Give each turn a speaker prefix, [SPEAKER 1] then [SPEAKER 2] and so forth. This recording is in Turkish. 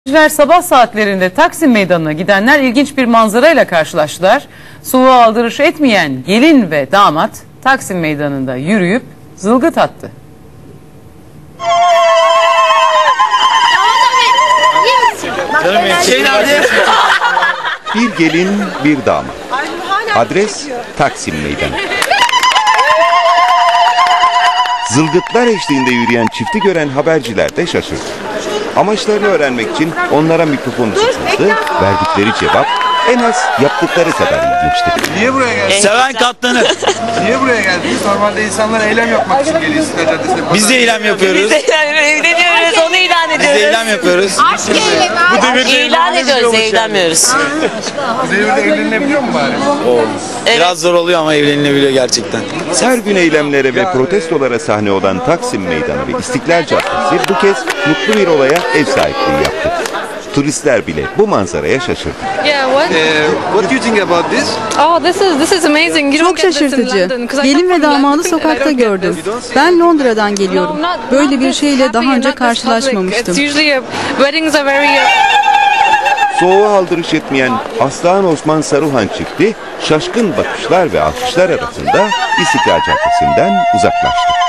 [SPEAKER 1] Sabah saatlerinde Taksim Meydanı'na gidenler ilginç bir manzarayla karşılaştılar. Soğuğa aldırış etmeyen gelin ve damat Taksim Meydanı'nda yürüyüp zılgıt attı.
[SPEAKER 2] Bir gelin, bir damat. Adres Taksim Meydanı. Zılgıtlar eşliğinde yürüyen çifti gören haberciler de şaşırdı. Amaçlarını öğrenmek için onlara mikrofonu tutuldu. Verdikleri cevap en az yaptıkları kadar ilginçti.
[SPEAKER 3] Niye buraya geldiniz?
[SPEAKER 4] Seven katlanır.
[SPEAKER 3] Niye buraya geldiniz? Normalde insanlar eylem yapmak için geliyor İstiklal Caddesi'ne.
[SPEAKER 4] Biz de eylem yapıyoruz.
[SPEAKER 5] Biz de evleniyoruz, onu ilan
[SPEAKER 4] Biz
[SPEAKER 5] ediyoruz.
[SPEAKER 4] de eylem yapıyoruz.
[SPEAKER 5] Bu devirde ilan ediyoruz, evlenmiyoruz.
[SPEAKER 3] Bu devirde evlenilebiliyor mu bari?
[SPEAKER 4] Biraz zor oluyor ama evlenilebiliyor gerçekten.
[SPEAKER 2] Her gün eylemlere ve protestolara sahne olan Taksim Meydanı ve İstiklal Caddesi bu kez mutlu bir olaya ev sahipliği yaptı. Turistler bile bu manzaraya şaşırdı.
[SPEAKER 3] What do you think about this?
[SPEAKER 6] Oh, this is amazing.
[SPEAKER 7] Çok şaşırtıcı. Gelin ve damadı sokakta gördüm. Ben Londra'dan geliyorum. Böyle bir şeyle daha önce karşılaşmamıştım.
[SPEAKER 2] Soğuğa aldırış etmeyen Aslan Osman Saruhan çifti şaşkın bakışlar ve alkışlar arasında İstiklal Caddesi'nden uzaklaştı.